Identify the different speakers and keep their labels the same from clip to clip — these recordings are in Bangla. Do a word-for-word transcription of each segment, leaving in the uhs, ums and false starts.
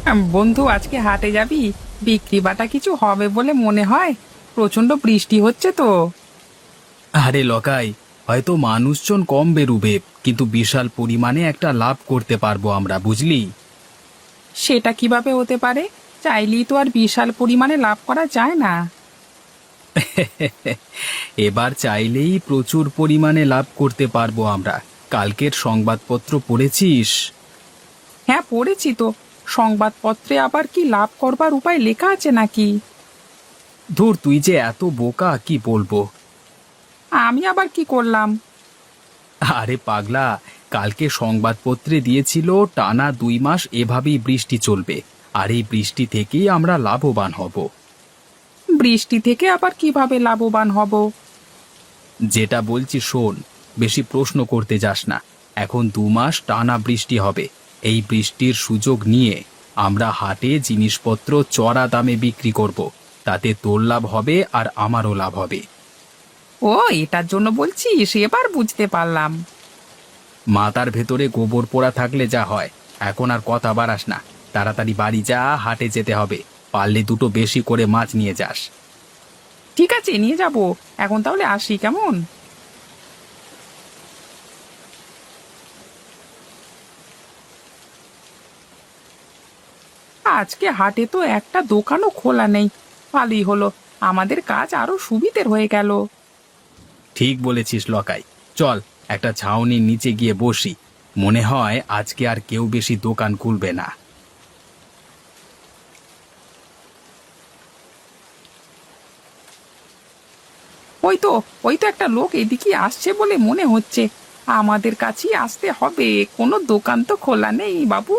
Speaker 1: আম, বন্ধু আজকে হাটে যাবি? বিক্রি বাটা কিছু হবে বলে মনে হয়। প্রচন্ড বৃষ্টি হচ্ছে তো।
Speaker 2: আরে লকাই, হয়তো মানুষজন কম বেরুবে, কিন্তু বিশাল পরিমাণে একটা লাভ করতে পারবো আমরা, বুঝলি?
Speaker 1: সেটা কিভাবে হতে পারে? চাইলেই তো আর বিশাল পরিমাণে লাভ করা যায় না।
Speaker 2: এবার চাইলেই প্রচুর পরিমাণে লাভ করতে পারবো আমরা। কালকের সংবাদপত্র পড়েছিস?
Speaker 1: হ্যাঁ, পড়েছি তো। সংবাদপত্রে আবার কি লাভ করবার উপায় লেখা আছে নাকি?
Speaker 2: ধুর, তুই যে এত বোকা, কি বলবো।
Speaker 1: আমি আবার কি করলাম?
Speaker 2: আরে পাগলা, কালকে সংবাদপত্রে দিয়েছিল টানা দুই মাস এভাবেই বৃষ্টি চলবে, আর এই বৃষ্টি থেকেই আমরা লাভবান হব।
Speaker 1: বৃষ্টি থেকে আবার কিভাবে লাভবান হব?
Speaker 2: যেটা বলছি শোন, বেশি প্রশ্ন করতে যাস না। এখন দু মাস টানা বৃষ্টি হবে। এই বৃষ্টির সুযোগ নিয়ে আমরা হাটে জিনিসপত্র চড়া দামে বিক্রি করব। তাতে তোর লাভ হবে আর আমারও লাভ হবে।
Speaker 1: ও, এটার জন্য বলছিস? এবার বুঝতে পারলাম।
Speaker 2: মাথার ভেতরে গোবর পোড়া থাকলে যা হয়। এখন আর কথা বাড়াস না, তাড়াতাড়ি বাড়ি যা, হাটে যেতে হবে। পারলে দুটো বেশি করে মাছ নিয়ে যাস।
Speaker 1: ঠিক আছে, নিয়ে যাব। এখন তাহলে আসি, কেমন? আজকে হাটে তো একটা দোকানও খোলা নেই। ভালোই হলো, আমাদের কাজ আরো সুবিধের হয়ে গেল।
Speaker 2: ঠিক বলেছিস লকাই। চল, একটা ছাউনির নিচে গিয়ে বসি। মনে হয় আজকে আর কেউ বেশি দোকান খুলবে না।
Speaker 1: ওই তো, ওই তো একটা লোক এদিকে আসছে বলে মনে হচ্ছে। আমাদের কাছেই আসতে হবে, কোনো দোকান তো খোলা নেই বাবু।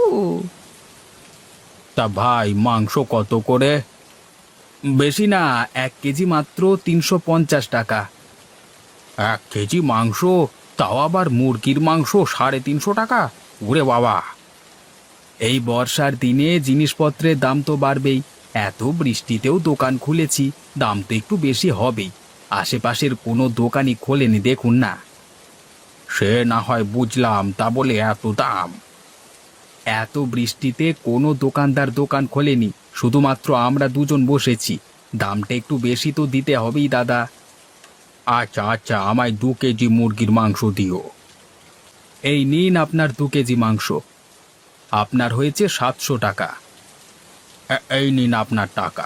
Speaker 2: তা ভাই, মাংস কত করে? বেশি না, এক কেজি মাত্র তিনশো পঞ্চাশ টাকা। এক কেজি মাংস? তাও আবার মুরগির মাংস সাড়ে তিনশো টাকা? ওরে বাবা! এই বর্ষার দিনে জিনিসপত্রের দাম তো বাড়বেই। এত বৃষ্টিতেও দোকান খুলেছি, দাম তো একটু বেশি হবেই। আশেপাশের কোনো দোকানই খোলেনি, দেখুন না। সে না হয় বুঝলাম, তা বলে এত দাম? এত বৃষ্টিতে কোনো দোকানদার দোকান খোলেনি, শুধুমাত্র আমরা দুজন বসেছি। দামটা একটু বেশি তো দিতে হবেই দাদা। আচ্ছা আচ্ছা, আমায় দু কেজি মুরগির মাংস দিও। এই নিন আপনার দু কেজি মাংস। আপনার হয়েছে সাতশো টাকা। এ- এই নিন আপনার টাকা।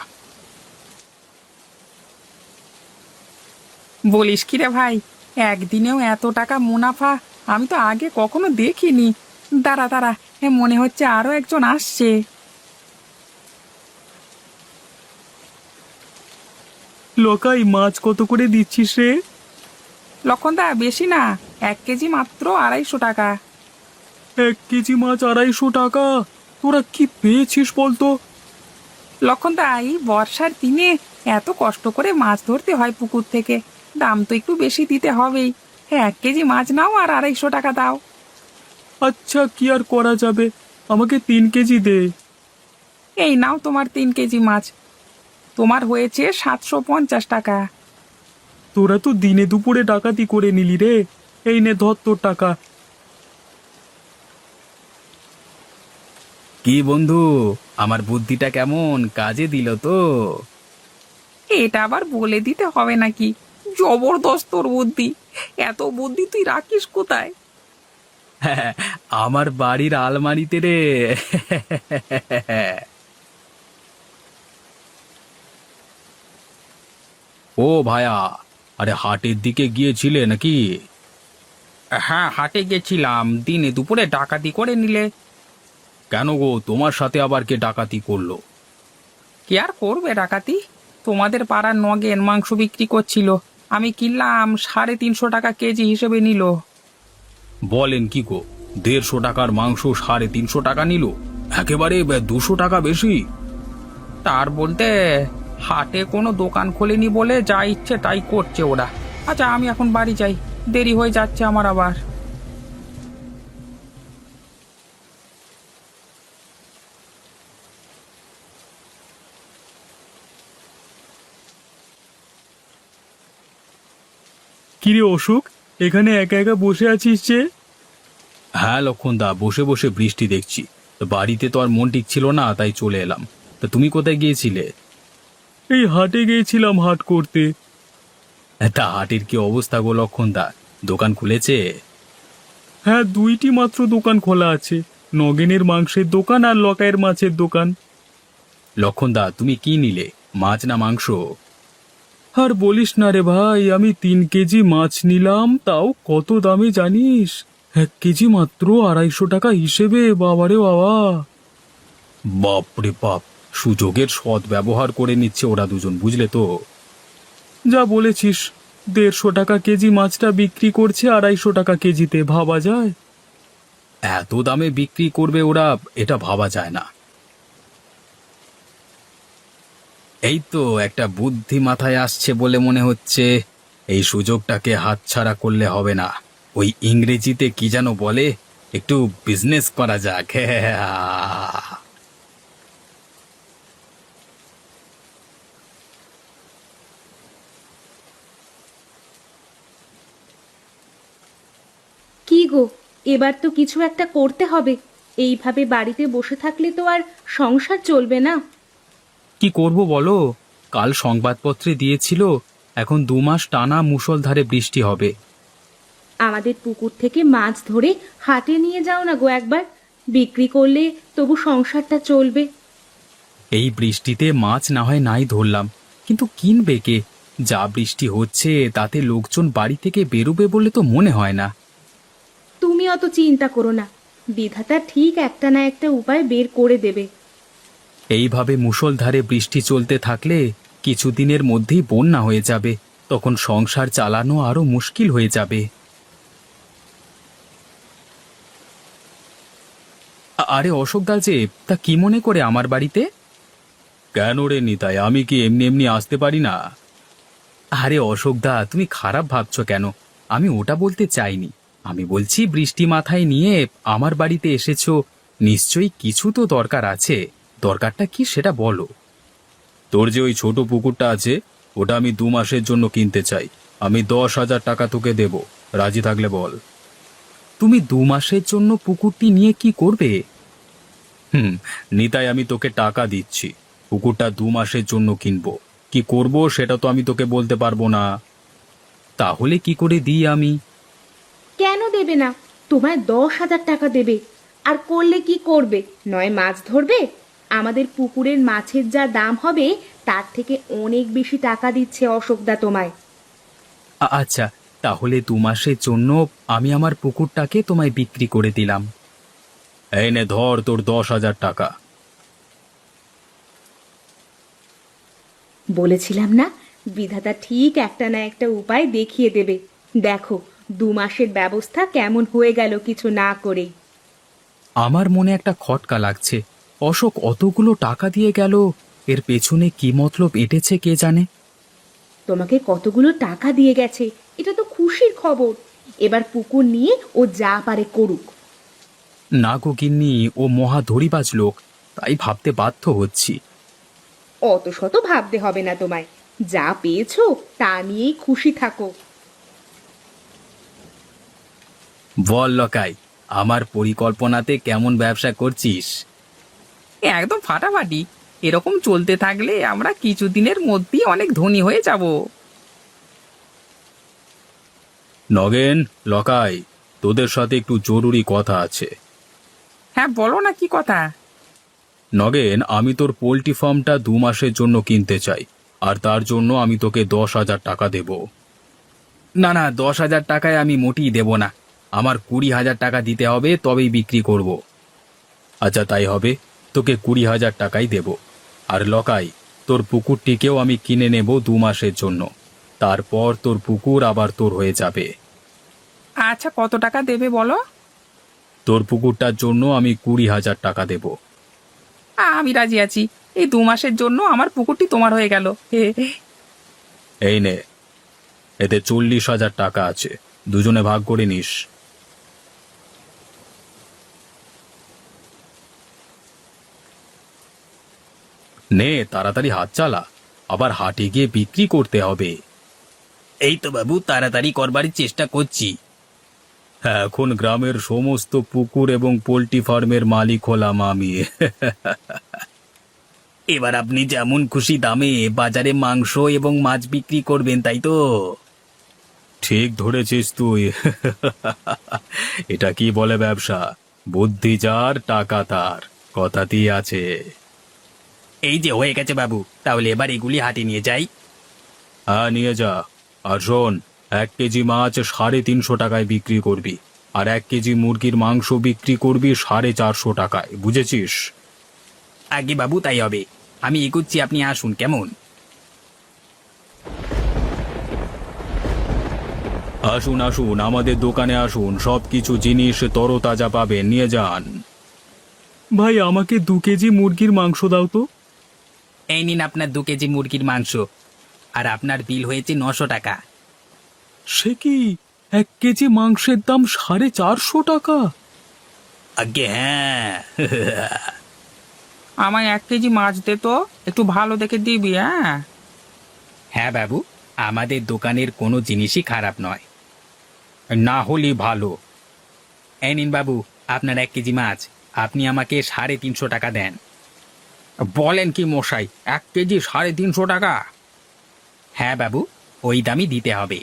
Speaker 1: বলিস কি রে ভাই, একদিনেও এত টাকা মুনাফা! আমি তো আগে কখনো দেখিনি। দাঁড়া দাঁড়া, এ মনে হচ্ছে আরো একজন আসছে।
Speaker 2: লোকাই, মাছ কত করে দিচ্ছিস রে?
Speaker 1: লক্ষণদা, বেশি না, এক কেজি মাত্র আড়াইশো টাকা।
Speaker 2: এক কেজি মাছ আড়াইশো টাকা? তোরা কি পেয়েছিস বলতো?
Speaker 1: লক্ষণদা, এই বর্ষার দিনে এত কষ্ট করে মাছ ধরতে হয় পুকুর থেকে, দাম তো একটু বেশি দিতে হবেই। হ্যাঁ, এক কেজি মাছ নাও আর আড়াইশো টাকা দাও।
Speaker 2: আচ্ছা, কি আর করা যাবে, আমাকে তিন কেজি দে।
Speaker 1: এই নাও তোমার তিন কেজি মাছ। তোমার হয়েছে সাতশো পঞ্চাশ টাকা।
Speaker 2: তোরা তো দিনে দুপুরে ডাকাতি করে নিলি রে। এই নে, ধর তোর টাকা। কি বন্ধু, আমার বুদ্ধিটা কেমন কাজে দিল তো?
Speaker 1: এটা আবার বলে দিতে হবে নাকি? জবরদস্ত তোর বুদ্ধি! এত বুদ্ধি তুই রাখিস কোথায়?
Speaker 2: হ্যাঁ, আমার বাড়ির আলমারিতে রে। ও ভায়া, আরে হাটের দিকে গিয়েছিলে নাকি?
Speaker 1: হ্যাঁ, হাটে গেছিলাম, দিনে দুপুরে ডাকাতি করে নিলে।
Speaker 2: কেন গো, তোমার সাথে আবার কে ডাকাতি করলো?
Speaker 1: কে আর করবে ডাকাতি? তোমাদের পাড়ার নগেন মাংস বিক্রি করছিল, আমি কিনলাম, সাড়ে তিনশো টাকা কেজি হিসেবে নিল।
Speaker 2: বলেন কি গো, দেড়শো টাকার মাংস সাড়ে তিনশো টাকা নিল? একেবারে দুশো টাকা বেশি।
Speaker 1: তার বলতে, হাটে কোনো দোকান খোলেনি বলে যা ইচ্ছে তাই করছে ওরা। আচ্ছা, আমি এখন বাড়ি যাই, দেরি হয়ে যাচ্ছে আমার আবার।
Speaker 2: কিরে অশোক, এখানে একা একা বসে আছিস যে? হ্যাঁ লক্ষণদা, বসে বসে বৃষ্টি দেখছি। তো বাড়িতে তো আর মন ঠিক ছিল না, তাই চলে এলাম। তা তুমি কোথায় গিয়েছিলে? এই হাটে গিয়েছিলাম হাট করতে। তা হাটের কি অবস্থা গো লক্ষণদা, দোকান খুলেছে? হ্যাঁ, দুইটি মাত্র দোকান খোলা আছে, নগেনের মাংসের দোকান আর লকাইয়ের মাছের দোকান। লক্ষণদা, তুমি কি নিলে, মাছ না মাংস? আর বলিস না রে ভাই, আমি তিন কেজি মাছ নিলাম, তাও কত দামে জানিস? এক কেজি মাত্র আড়াইশো টাকা হিসেবে, বাবারে বাবা! বাপরে বাপ, সুযোগের সৎ ব্যবহার করে নিচ্ছে ওরা দুজন, বুঝলে তো? যা বলেছিস, দেড়শো টাকা কেজি মাছটা বিক্রি করছে আড়াইশো টাকা কেজিতে, ভাবা যায়? এত দামে বিক্রি করবে ওরা, এটা ভাবা যায় না। এই তো একটা বুদ্ধি মাথায় আসছে বলে মনে হচ্ছে, এই সুযোগটাকে হাতছাড়া করলে হবে না। ওই ইংরেজিতে কি যেন বলে, একটু বিজনেস করা যাক।
Speaker 3: কি গো, এবার তো কিছু একটা করতে হবে। এইভাবে বাড়িতে বসে থাকলে তো আর সংসার চলবে না।
Speaker 2: কি করব বলো, কাল সংবাদপত্রে দিয়েছিল এখন দু মাস টানা মুষলধারে বৃষ্টি হবে।
Speaker 3: আমাদের পুকুর থেকে মাছ ধরে হাটে নিয়ে যাও না গো একবার, বিক্রি করলে তবু সংসারটা চলবে।
Speaker 2: এই বৃষ্টিতে মাছ না হয় নাই ধরলাম, কিন্তু কিনবে কে? যা বৃষ্টি হচ্ছে তাতে লোকজন বাড়ি থেকে বেরোবে বলে তো মনে হয় না।
Speaker 3: তুমি অত চিন্তা করো না, বিধাতা ঠিক একটা না একটা উপায় বের করে দেবে।
Speaker 2: এইভাবে মুষলধারে বৃষ্টি চলতে থাকলে কিছুদিনের মধ্যেই বন্যা হয়ে যাবে, তখন সংসার চালানো আরো মুশকিল হয়ে যাবে। আ- আরে অশোক দা যে, তা কি মনে করে আমার বাড়িতে? কেন রে নিতাই, আমি কি এমনি এমনি আসতে পারি না? আরে অশোক দা, তুমি খারাপ ভাবছো কেন? আমি ওটা বলতে চাইনি। আমি বলছি বৃষ্টি মাথায় নিয়ে আমার বাড়িতে এসেছো, নিশ্চয়ই কিছু তো দরকার আছে। দরকারটা কি সেটা বলো। তোর যে ওই ছোট পুকুরটা আছে, ওটা আমি দু মাসের জন্য কিনতে চাই। আমি দশ হাজার টাকা তোকে দেব, রাজি থাকলে বল। তুমি দু মাসের জন্য পুকুরটি নিয়ে কি করবে? হুম, নিতাই, আমি তোকে টাকা দিচ্ছি, পুকুরটা দু মাসের জন্য কিনবো। কি করব সেটা তো আমি তোকে বলতে পারবো না। তাহলে কি করে দিই আমি?
Speaker 3: কেন দেবে না? তোমায় দশ হাজার টাকা দেবে। আর করলে কি করবে? নয় মাছ ধরবে। আমাদের পুকুরের মাছের যা দাম হবে তার থেকে অনেক বেশি টাকা দিচ্ছে অশোকদা তোমায়।
Speaker 2: আ- আচ্ছা, তাহলে দু মাসের জন্য আমি আমার পুকুরটাকে তোমায় বিক্রি করে দিলাম। এই নে ধর তোর দশ হাজার টাকা।
Speaker 3: বলেছিলাম না, বিধাতা ঠিক একটা না একটা উপায় দেখিয়ে দেবে। দেখো, দু মাসের ব্যবস্থা কেমন হয়ে গেল কিছু না করেই।
Speaker 2: আমার মনে একটা খটকা লাগছে, অশোক অতগুলো টাকা দিয়ে গেল, এর পেছনে কি মতলব এঁটেছে কে জানে।
Speaker 3: তোমাকে কতগুলো টাকা দিয়ে গেছে, এটা তো খুশির খবর। এবার পুকুর নিয়ে ও যা পারে করুক।
Speaker 2: না গো গিন্নি, ও মহা ধরিবাজ লোক, তাই ভাবতে বাধ্য হচ্ছি।
Speaker 3: অত শত ভাবতে হবে না তোমায়, যা পেয়েছো তা নিয়েই খুশি থাকো।
Speaker 2: বল লকাই, আমার পরিকল্পনাতে কেমন ব্যবসা করছিস?
Speaker 1: একদম ফাটাফাটি। এরকম চলতে থাকলে আমরা কিছুদিনের মধ্যেই অনেক ধনী হয়ে যাব।
Speaker 2: নগেন, লকাই, তোদের সাথে একটু জরুরি কথা আছে।
Speaker 1: হ্যাঁ, বলো না, কি কথা?
Speaker 2: নগেন, আমি তোর পোল্ট্রি ফার্মটা দু মাসের জন্য কিনতে চাই, আর তার জন্য আমি তোকে দশ হাজার টাকা দেব। না না, দশ হাজার টাকায় আমি মোটেই দেব না, আমার কুড়ি হাজার টাকা দিতে হবে, তবেই বিক্রি করব। আচ্ছা তাই হবে, তোকে কুড়ি হাজার টাকাই দেব। আর লকাই, তোর পুকুরটিকেও আমি কিনে নেব দু মাসের জন্য, তারপর তোর পুকুর আবার তোর হয়ে যাবে।
Speaker 1: আচ্ছা, কত টাকা দেবে বলো?
Speaker 2: তোর পুকুরটার জন্য আমি কুড়ি হাজার টাকা দেব।
Speaker 1: আমি রাজি আছি। এই দু মাসের জন্য আমার পুকুরটি তোমার হয়ে গেল। হে হে।
Speaker 2: এই নে, এতে চল্লিশ হাজার টাকা আছে, দুজনে ভাগ করে নিস। নে, তাড়াতাড়ি হাত চালা, আবার হাটে গিয়ে বিক্রি করতে হবে। এই তো বাবু, তাড়াতাড়ি করবার চেষ্টা করছি। এখন গ্রামের সমস্ত পুকুর এবং পোল্ট্রি ফার্মের মালিক হলাম আমি। এবার আপনি যেমন খুশি দামে বাজারে মাংস এবং মাছ বিক্রি করবেন, তাই তো? ঠিক ধরেছিস তুই। এটা কি বলে ব্যবসা, বুদ্ধি যার টাকা তার, কথাতেই আছে। এই যে হয়ে গেছে বাবু, তাহলে এবার এগুলি হাটে নিয়ে যাই। হ্যাঁ নিয়ে যা। আর শোন, এক কেজি মাছ সাড়ে তিনশো টাকায় বিক্রি করবি, আর এক কেজি মুরগির মাংস বিক্রি করবি সাড়ে চারশো টাকায়, বুঝেছিস? আগে বাবু তাই হবে, আমি এগুচ্ছি, আপনি আসুন কেমন। আসুন আসুন, আমাদের দোকানে আসুন, সব কিছু জিনিস তরতাজা পাবেন, নিয়ে যান। ভাই আমাকে দু কেজি মুরগির মাংস দাও তো। এই নিন আপনার দু কেজি মুরগির মাংস, আর আপনার বিল হয়েছে নশো টাকা। সে কি, এক কেজি মাংসের দাম সাড়ে চারশো টাকা? আগে হ্যাঁ।
Speaker 1: আমায় এক কেজি মাছ দে তো, একটু ভালো দেখে দিবি। হ্যাঁ
Speaker 2: হ্যাঁ বাবু, আমাদের দোকানের কোনো জিনিসই খারাপ নয়। না হলে ভালো। এই নিন বাবু আপনার এক কেজি মাছ, আপনি আমাকে সাড়ে তিনশো টাকা দেন। বলেন কি মশাই, এক কেজি সাড়ে তিনশো টাকা? হ্যাঁ বাবু, ওই দামই দিতে হবে।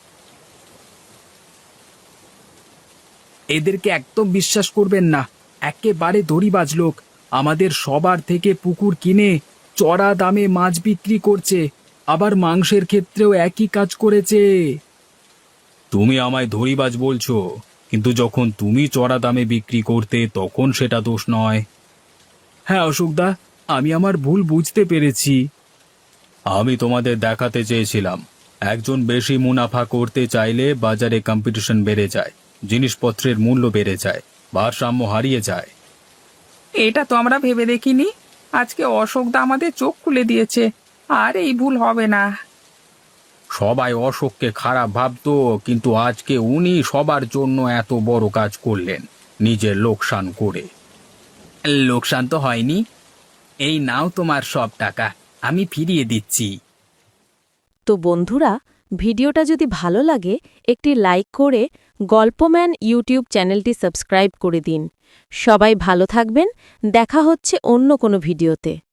Speaker 2: এদেরকে একদম বিশ্বাস করবেন না, একেবারে দড়িবাজ লোক। আমাদের সবার থেকে পুকুর কিনে চড়া দামে মাছ বিক্রি করছে, আবার মাংসের ক্ষেত্রেও একই কাজ করেছে। তুমি আমায় দড়িবাজ বলছো, কিন্তু যখন তুমি চড়া দামে বিক্রি করতে তখন সেটা দোষ নয়। হ্যাঁ অশোকদা, আমি আমার ভুল বুঝতে পেরেছি। আমি তোমাদের দেখাতে চেয়েছিলাম, একজন বেশি মুনাফা করতে চাইলে বাজারে কম্পিটিশন বেড়ে যায়, জিনিসপত্রের মূল্য বেড়ে যায়, ভারসাম্য হারিয়ে যায়।
Speaker 1: এটা তো আমরা ভেবে দেখিনি, আজকে অশোকদা আমাদের চোখ খুলে দিয়েছে, আর এই ভুল হবে না।
Speaker 2: সবাই অশোককে খারাপ ভাবতো, কিন্তু আজকে উনি সবার জন্য এত বড় কাজ করলেন, নিজের লোকসান করে। লোকসান তো হয়নি, এই নাও তোমার সব টাকা, আমি ফিরিয়ে দিচ্ছি।
Speaker 4: তো বন্ধুরা, ভিডিওটা যদি ভালো লাগে একটি লাইক করে গল্পম্যান ইউটিউব চ্যানেলটি সাবস্ক্রাইব করে দিন। সবাই ভালো থাকবেন, দেখা হচ্ছে অন্য কোনো ভিডিওতে।